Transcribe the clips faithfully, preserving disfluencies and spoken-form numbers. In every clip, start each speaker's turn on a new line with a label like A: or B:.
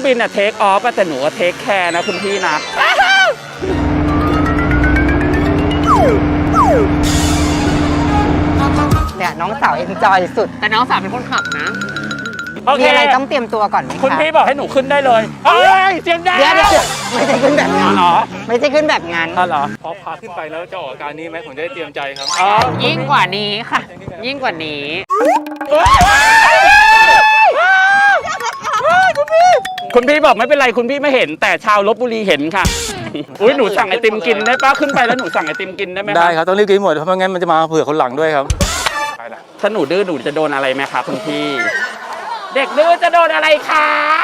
A: บินอะเทคออฟแต่หนูก็เทคแคร์นะคุณพี่นะ
B: เนี่ยน้องสาวเอ็นจอยสุดแต่น้องสาวเป็นคนขับนะมีอะไรต้องเตรียมตัวก่อนไหมคะ
A: คุณพี่บอกให้หนูขึ้นได้เลยเอ้ยเสียงดัง
B: เดี๋ยวเดี๋ยวไม่ใช่ขึ้นแบบนั้น
A: เหรอ
B: ไม่ใช่ขึ้นแบบนั้น
A: เหรอ
C: พอพาขึ้นไปแล้วจะออกอาการนี้ไหมผมจะได้เตรียมใจครับ
B: ยิ่งกว่านี้ค่ะยิ่งกว่านี้
A: คุณพี่บอกไม่เป็นไรคุณพี่ไม่เห็นแต่ชาวลพบุรีเห็นค่ะอุ้ยหนูสั่งไอติมกินได้ปะขึ้นไปแล้วหนูสั่งไอติมกินได้ไหม
C: ได้ครับต้องรีบกินหมดเพราะไม่งั้นมันจะมาเผื่อคนหลังด้วยครับ
A: ถ้าหนูดื้อหนูจะโดนอะไรไหมคะคุณพี่เด็กดื้อจะโดนอะไรคะ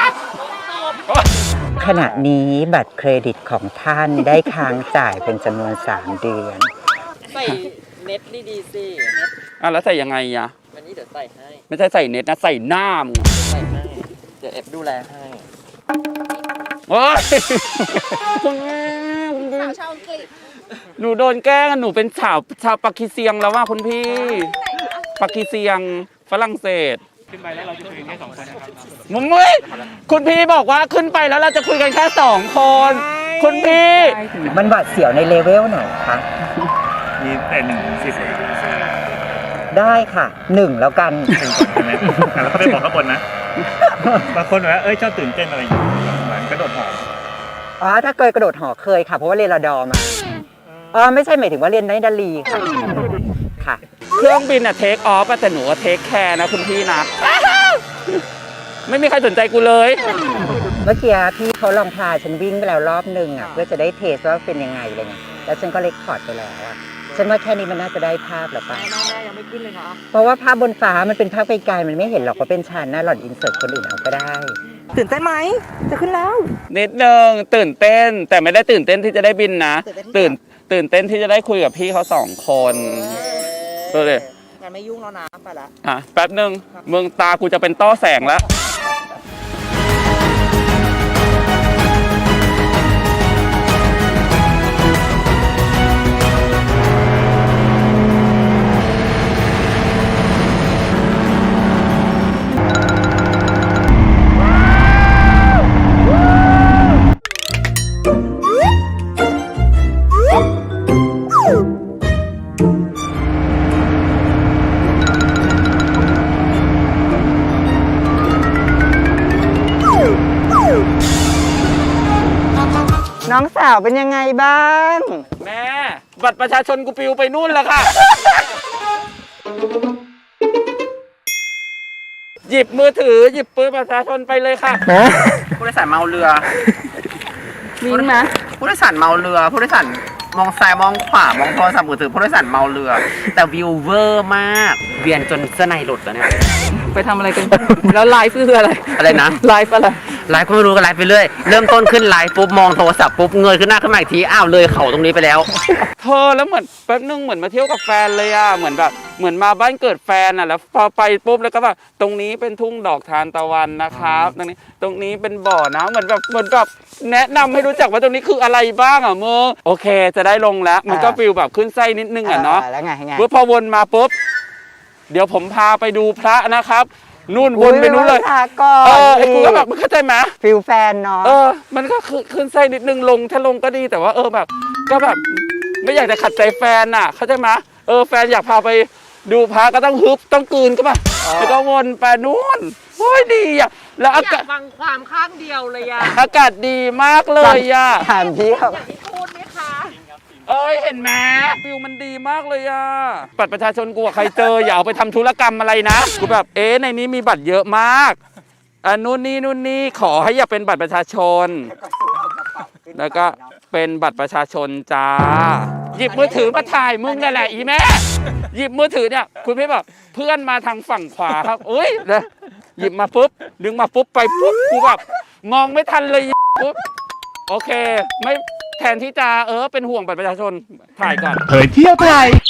B: ขณะนี้บัตรเครดิตของท่านได้ค้างจ่ายเป็นจำนวนสามเดือน
D: ใส่เน็ตดีๆสิ
A: อ่ะแล้วใส่ยังไงอะ
D: วันนี้เดี๋ยวใส่ให้
A: ไม่ใช่ใส่เน็ตนะใส่หน้ามึง
D: ใส่ให้เดี๋ยวเอฟดูแลให้
A: โอ้ยคุณแม่สาวชาวอังกฤษหนูโดนแกล้งหนูเป็นชาวชาวปากีเซียงแล้วว่าคุณพี่ปากีเซียงฝรั่งเศส
C: ขึ้นไปแล้วเราจะคุยกันแค่สองคนนะครับ
A: มึงมึงคุณพี่บอกว่าขึ้นไปแล้วเราจะคุยกันแค่สองคนคุณพี่
B: มันหวาดเสียวในเลเวลไหนคะ
C: มีแต่หนึ่งสิบ
B: ได้ค่ะหนึ่งแล้วกัน
C: ใช่ไหมแล้วเขาไปบอกข้างบนนะบางคนบอกว่าเอ้ยชอบตื่นเต้นอะไรอย่างเงี้ยเหมือนกระโดดหอ
B: อ๋อถ้าเคยกระโดดหอเคยค่ะเพราะว่าเรียนรดอมาอ๋อไม่ใช่หมายถึงว่าเรียนในดาลีค่ะค่ะ
A: เครื่องบินอะเทคออฟแต่หนูก็เทคแคร์นะคุณพี่นะไม่มีใครสนใจกูเลย
B: เมื่อกี้พี่เขาลองพาฉันวิ่งไปแล้วรอบหนึ่งอ่ะเพื่อจะได้เทสว่าเป็นยังไงอะไรเงี้ยแล้วฉันก็เล็กพอร์ตไปแล้วอ่ะฉันว่าแค่นี้มันน่าจะได้ภาพหรือเปล่า
D: ยังไม่ขึ้นเลยนะ
B: เพราะว่าภาพบนฟ้ามันเป็นภาพไกลๆมันไม่เห็นหรอกว่าเป็นฉันนะหล่อนอินเสิร์ตคนอื่นเอาก็ได้ตื่นเต้นไหมจะขึ้นแล้ว
A: นิดนึงตื่นเต้นแต่ไม่ได้ตื่นเต้นที่จะได้บินนะตื่นตื่นเต้นที่จะได้คุยกับพี่เขาสองคนก็เลย
D: งั้นไม่ยุ่งแล้วนะไปละ
A: อ่ะแป๊บนึงมึงตากูจะเป็นต้อแสงแล้ว
B: น้องสาวเป็นยังไงบ้าง
A: แม่บัตรประชาชนกูปิวไปนู่นแล้วค่ะหยิบมือถือหยิบปืนประชาชนไปเลยค่ะผู้โดยสารเมาเรือ
B: มีไหม
D: ผู้โดยสารเมาเรือผู้โดยสารมองซ้ายมองขวามองโทรศัพท์มือถือผู้โดยสารเมาเรือแต่วิวเวอร์มากเวียนจนเสื้อในหลุดแล้วเนี่ย
A: ไปทำอะไรกันแล้วไลฟ์คืออะไร
D: อะไรนะ
A: ไลฟ์อะไร
D: ไลฟ์ก็ไม่รู้ก็ไลฟ์ไปเรื่อยเริ่มต้นขึ้นไลฟ์ปุ๊บมองโทรศัพท์ปุ๊บเงยขึ้นหน้าขึ้นมาอีกทีอ้าวเลยเขาตรงนี้ไปแล้ว
A: เธอแล้วเหมือนแป๊บนึงเหมือนมาเที่ยวกับแฟนเลยอ่ะเหมือนแบบเหมือนมาบ้านเกิดแฟนอ่ะแล้วพอไปปุ๊บแล้วก็แบบตรงนี้เป็นทุ่งดอกทานตะวันนะครับตรงนี้ตรงนี้เป็นบ่อน้ำเหมือนแบบเหมือนแบบแนะนำให้รู้จักว่าตรงนี้คืออะไรบ้างอ่ะโมโอเคจะได้ลงแล้วมันก็ฟิลแบบขึ้นไส้นิดนึงอ่ะเนาะ
B: แล้วไงไง
A: พอวนมาปุ๊บเดี๋ยวผมพาไปดูพระนะครับนู่นวนไปนู่นเลยเออไอ้กูก็แบบมันเข้าใจไหม
B: ฟิลแฟนเนาะ
A: เออมันก็ขึ้นไส้นิดนึงลงถ้าลงก็ดีแต่ว่าเออแบบก็แบบไม่อยากจะขัดใจแฟนอ่ะเข้าใจไหมเออแฟนอยากพาไปดูพระก็ต้องฮึบต้องกลืนก็ป่ะแล้วก็วนไปนู่นโอ้ยดีอ่ะแล้วอากาศ
D: ฟังความข้างเดียวเลยอ่ะ
A: อากาศดีมากเลยอ่ะ
B: ถามพี่เขา
D: พูดไหมคะ
A: เอ้ยเห็นไหมฟิวมันดีมากเลยอ่ะบัตรประชาชนกูใครเจออย่าเอาไปทำธุรกรรมอะไรนะกูแบบเอ๊ะในนี้มีบัตรเยอะมากอ่ะนู่นนี่นู่นนี่ขอให้อย่าเป็นบัตรประชาชนแล้วก็เป็นบัตรประชาชนจ้าหยิบมือถือมาถ่ายมึงนั่นแหละอีแม่หยิบมือถือเนี่ยคุณพี่บอกเพื่อนมาทางฝั่งขวาครับเอ้ยเลยหยิบมาปุ๊บดึงมาปุ๊บไปปุ๊บกูแบบมองไม่ทันเลยปุ๊บโอเคไม่แทนที่จะเออเป็นห่วงบัตรประชาชนถ่ายก่อน
C: เผยเที่ยวไทย